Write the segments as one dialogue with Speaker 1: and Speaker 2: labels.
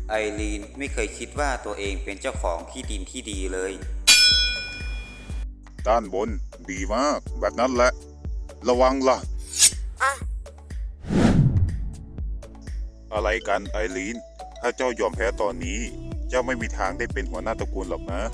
Speaker 1: ไอรีนไม่เคยคิดว่าตัวเองเป็นเจ้าของที่ดินที่ดีเลย
Speaker 2: ด้านบนดีมากแบบนั้นแหละระวังล่ะอะไรกันไอรีนถ้าเจ้ายอมแพ้ตอนนี้เจ้าไม่มีทางได้เป็นหัวหน้าตระกูลหรอกนะ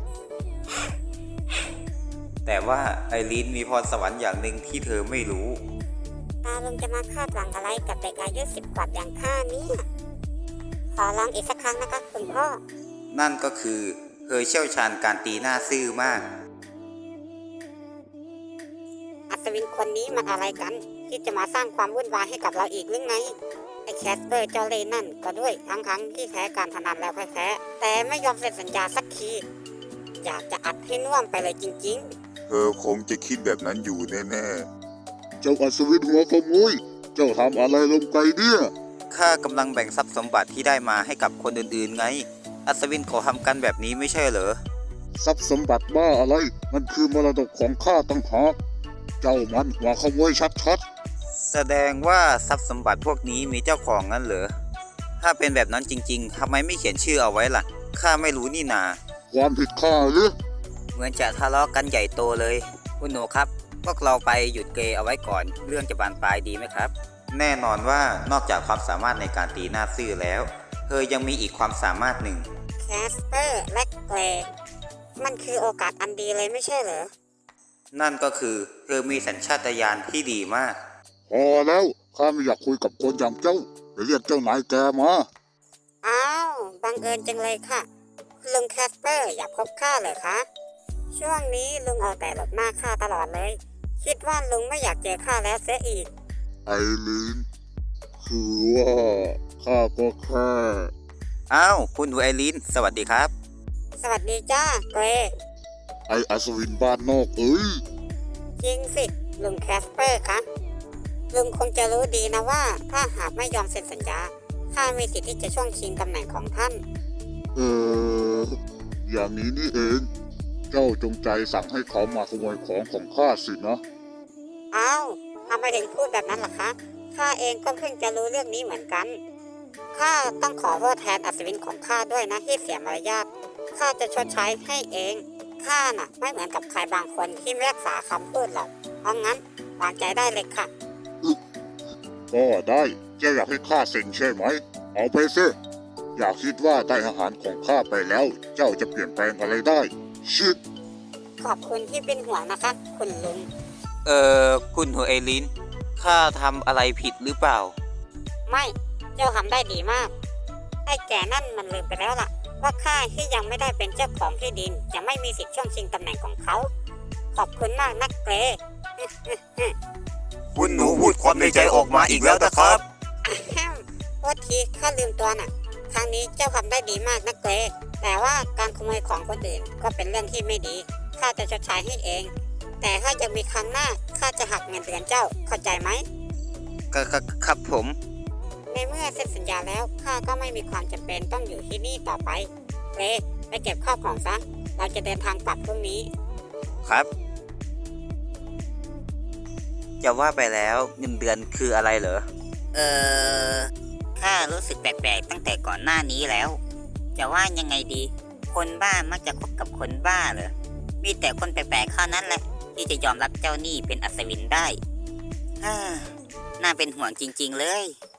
Speaker 1: แต่ว่าไอรีนมีพรสวรรค์อย่างหนึ่งที่เธอไม่รู้
Speaker 3: ตาลุงจะมาคาดหวังอะไรกับเด็กอายุ10 กว่าอย่างข้าเนี่ยขอลองอีกสักครั้งนะคะคุณพ่อ
Speaker 1: นั่นก็คือเธอเชี่ยวชาญการตีหน้าซื่อมาก
Speaker 3: อัศวินคนนี้มันอะไรกันที่จะมาสร้างความวุ่นวายให้กับเราอีกหรือไงไอ้แคสเปอร์เจ้าเล่ห์นั่นก็ด้วยทั้งที่แพ้การพนันแล้วแพ้แต่ไม่ยอมเซ็นสัญญาสักทีอยากจะอัดให้น่วมไปเลยจริง
Speaker 2: ๆเธอคงจะคิดแบบนั้นอยู่แน่ๆเจ้าอัศวินหัวขโมยเจ้าทำอะไรลงไปเนี่ย
Speaker 1: ข้ากำลังแบ่งทรัพย์สมบัติที่ได้มาให้กับคนอื่นๆไงอัศวินเขาทำกันแบบนี้ไม่ใช่เหรอ
Speaker 2: ทรัพย์สมบัติบ้าอะไรมันคือมรดกของข้าตั้งหากเจ้ามันหัวขโมยชัด
Speaker 1: ๆแสดงว่าทรัพย์สมบัติพวกนี้มีเจ้าของงั้นเหรอถ้าเป็นแบบนั้นจริงๆทำไมไม่เขียนชื่อเอาไว้ล่ะข้าไม่รู้นี่นา
Speaker 2: ความผิดข้าหรือ
Speaker 1: เหมือนจะทะเลาะกันใหญ่โตเลยคุณหนูครับพวกเราไปหยุดเกย์เอาไว้ก่อนเรื่องจะบานปลายดีไหมครับแน่นอนว่านอกจากความสามารถในการตีหน้าซื่อแล้วเธอยังมีอีกความสามารถหนึ่ง
Speaker 3: แคสเปอร์และเกรย์มันคือโอกาสอันดีเลยไม่ใช่เหรอ
Speaker 1: นั่นก็คือเธอมีสัญชาตญาณที่ดีมาก
Speaker 2: พอแล้วข้าไม่อยากคุยกับคนอย่างเจ้าไปเรียกเจ้านายแกมา
Speaker 3: อ้าวบังเอิญจังเลยค่ะลุงแคสเปอร์อยากพบข้าเลยคะช่วงนี้ลุงเอาแต่หลบหน้าข้าตลอดเลยคิดว่าลุงไม่อยากเจอข้าแล้วเสียอีก
Speaker 2: ไอรีนคือว่าข้าก็แค่
Speaker 1: อ้าวคุณหนูไอรีนสวัสดีครับ
Speaker 3: สวัสดีจ้าเกร
Speaker 2: ไออัศวินบ้านนอกเอ้ย
Speaker 3: จริงสิลุงแคสเปอร์คะลุงคงจะรู้ดีนะว่าถ้าหากไม่ยอมเซ็นสัญญาข้ามีสิทธิ์ที่จะช่วงชิงตำแหน่งของท่าน
Speaker 2: อย่างนี้นี่เองเจ้าจงใจสั่งให้เขามาขโมยของข้าสินะ
Speaker 3: อ้าวทำไมถึงพูดแบบนั้นล่ะคะข้าเองก็เพิ่งจะรู้เรื่องนี้เหมือนกันข้าต้องขอโทษแทนอัศวินของข้าด้วยนะที่เสียมารยาทข้าจะชดใช้ให้เองข้าน่ะไม่เหมือนกับใครบางคนที่ไม่รักษาคำพูดหรอกเพราะงั้นวางใจได้เลยค่ะ
Speaker 2: ก็ได้เจ้าอยากให้ข้าเซ็นใช่ไหมเอาไปสิอย่าคิดว่าได้อาหารของข้าไปแล้วเจ้าจะเปลี่ยนแปลงอะไรได้ชิด
Speaker 3: ขอบคุณที่เป็นห่วงนะคะคุณลุง
Speaker 1: คุณหัวไอรินข้าทำอะไรผิดหรือเปล่า
Speaker 3: ไม่เจ้าทำได้ดีมากไอ้แก่นั่นมันลืมไปแล้วล่ะว่าข้าที่ยังไม่ได้เป็นเจ้าของที่ดินจะไม่มีสิทธิ์ช่วงชิงตำแหน่งของเขาขอบคุณมากนักเกร
Speaker 1: คุณหนูพูดความในใจออกมาอีกแล้วนะครับ
Speaker 3: โทษทีข้าลืมตัวน่ะครั้งนี้เจ้าทำได้ดีมากนักเกรแต่ว่าการขโมยของคนอื่นก็เป็นเรื่องที่ไม่ดีข้าจะชดใช้ให้เองแต่ถ้ายังมีครั้งหน้าข้าจะหักเงินเดือนเจ้าเข้าใจไหม
Speaker 1: ครับผม
Speaker 3: ในเมื่อเซ็นสัญญาแล้วข้าก็ไม่มีความจำเป็นต้องอยู่ที่นี่ต่อไปไปเก็บข้าวของซะเราจะเดินทางกลับพรุ่งนี้
Speaker 1: ครับจะว่าไปแล้วเงินเดือนคืออะไรเหรอ
Speaker 4: ข้ารู้สึกแปลกๆตั้งแต่ก่อนหน้านี้แล้วจะว่ายังไงดีคนบ้ามักจะคบกับคนบ้าเหรอมีแต่คนแปลกๆเท่านั้นแหละที่จะยอมรับเจ้าหนี้เป็นอัศวินได้น่าเป็นห่วงจริงๆเลย